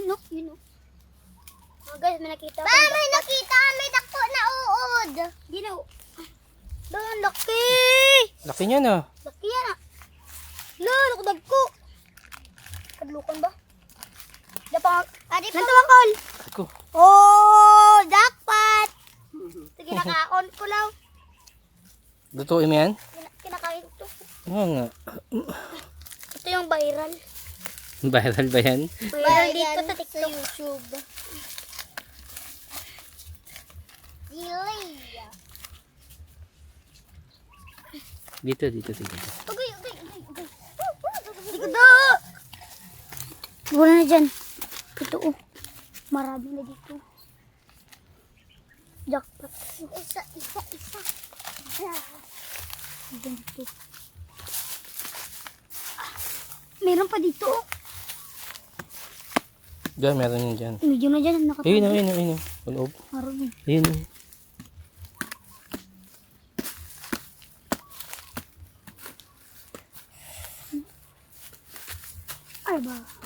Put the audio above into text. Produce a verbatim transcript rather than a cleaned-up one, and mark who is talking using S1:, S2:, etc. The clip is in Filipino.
S1: Yun o, yun o. Mga guys, may nakita.
S2: Ba, may nakita may dako na uod.
S1: Yun o. Doon, laki.
S3: Laki niya na.
S1: Laki yan ah. Lalo, kudag ko. Kadlukan ba? Dapa,
S2: Adi pa.
S1: nantawan kol.
S3: Ako.
S1: Oh, jackpot. Sige, nakaon ko lang.
S3: Lutuin mo yan?
S1: Kina- Kinakain ko.
S3: Oo nga.
S1: Ito yung viral.
S3: Viral ba yan?
S1: Viral dito sa
S2: Sa
S1: TikTok.
S2: YouTube. Delay.
S3: Dito, dito, dito.
S2: Ugay, ugay, ugay, ugay.
S1: Hindi ko do. Wala na dyan. Ito oh. Marami na dito. Jackpot.
S2: Isa, isa, isa.
S1: Dyan dito. Ah, meron pa dito oh.
S3: Diyan, meron yun dyan.
S1: Medyo na dyan. Nakatabi.
S3: Ayun, ayun, ayun. Uloob.
S1: Marami.
S3: Ayun.
S1: Ay ba.